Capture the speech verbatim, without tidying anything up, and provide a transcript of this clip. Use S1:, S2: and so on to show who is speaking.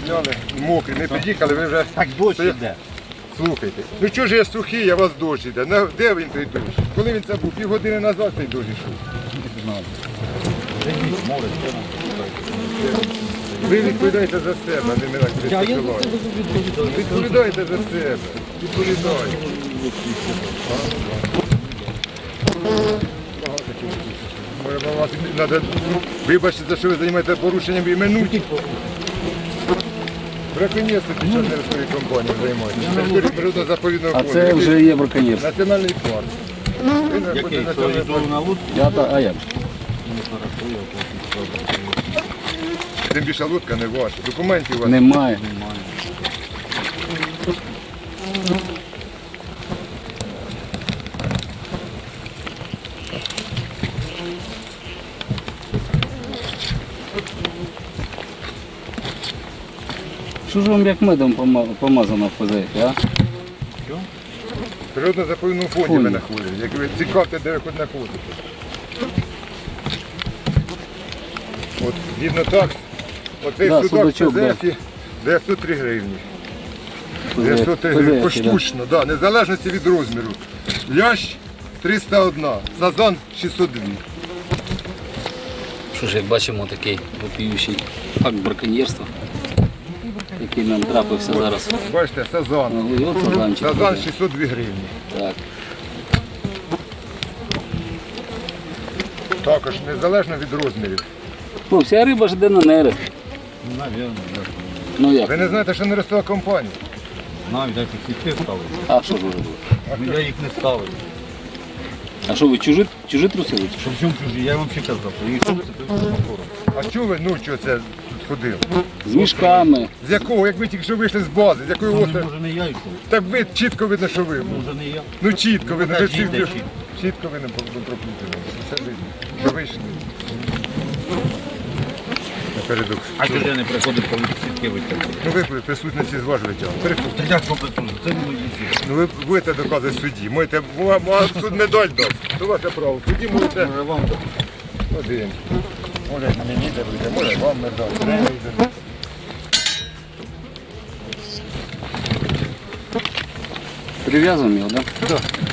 S1: зняли, мокрі, не під'їхали, ви вже...
S2: Так дощ
S1: Стоя-
S2: іде.
S1: Слухайте, ну чого ж я сухий, а у вас дощ іде? На- Де він той дощ? Коли він це був? Півгодини назад той дощ йшов. Ви відповідаєте за себе, а не мене
S2: Я, я за
S1: критикувати.
S2: себе відповідаю.
S1: Відповідаєте за себе. Відповідаєте. Може, вам вас треба вибачте, за що ви займаєте порушенням іменуть. Браконьєрство під час нерестової компанії займаєтеся. Території природно-заповідного
S3: А
S1: фонду.
S3: це вже є браконьєрство.
S1: Національний парк. Ви знаходите
S2: Який? То
S1: національний
S2: йду
S1: парк.
S2: на лодку?
S3: Я та, а як?
S1: Тим більше лодка не ваша. Документів у вас
S3: Немає. Що ж вам як медом пома- помазано в хозяйстві, а?
S1: в природно-заповідному фонді
S3: Фонді.
S1: ми знаходимося. Як ви цікавте, де ви хоч знаходитесь. От, згідно так, оцей
S3: Да,
S1: судак в
S3: судачок, да.
S1: Пезефі дев'ятсот три гривні.
S3: Хозяй-
S1: дев'ятсот три гривні.
S3: хозяйстві, да.
S1: Поштучно, да, незалежності від розміру. Лящ триста один, сазан шістсот два.
S3: Що ж, як бачимо, такий вопіющий факт браконьєрства, який нам трапився зараз.
S1: Бачите, сазан.
S3: Ну, і от сазанчик.
S1: Сазан шістсот два гривні.
S3: Так.
S1: Також незалежно від розмірів.
S3: Ну, вся риба ж йде на нерест.
S2: Навірно,
S3: Ну як?
S1: Ви не знаєте, що нерестова компанія?
S2: навіть як їх сітки ставили.
S3: А що ж ви робили?
S2: Ну, я їх не ставив.
S3: А що ви чужі, чужі трусили? чи що?
S2: Що в чому чужі? Я вам ще казав. Їх хлопці, то все мотором.
S1: А чого ви, ну що це тут ходили?
S3: З мішками.
S1: З якого? Як ви тільки що вийшли з бази, з якої
S2: Може,
S1: острову?
S2: може не я йшов?
S1: Так ви чітко видно, що ви.
S2: Може не я?
S1: Ну чітко видно, що всі
S2: Покажіть, де
S1: вже-
S2: чітко.
S1: чітко видно проплутали. Все видно. Що вийшли. Напередок.
S2: А чого ж я не приходив, коли сітки витягли?
S1: Ну ви при присутності з вашого тягу. Переходьте.
S2: Та як що присутні? Це не мої сітки.
S1: Ну ви будете доказувати в суді. Можете, вам вам суд медаль дав. То ваше право. В суді можете
S2: Може вам так?
S1: один. Може мені даруйте, може вам медаль. Не йде.
S3: Прив'язуємо його, так? Да?
S1: Так.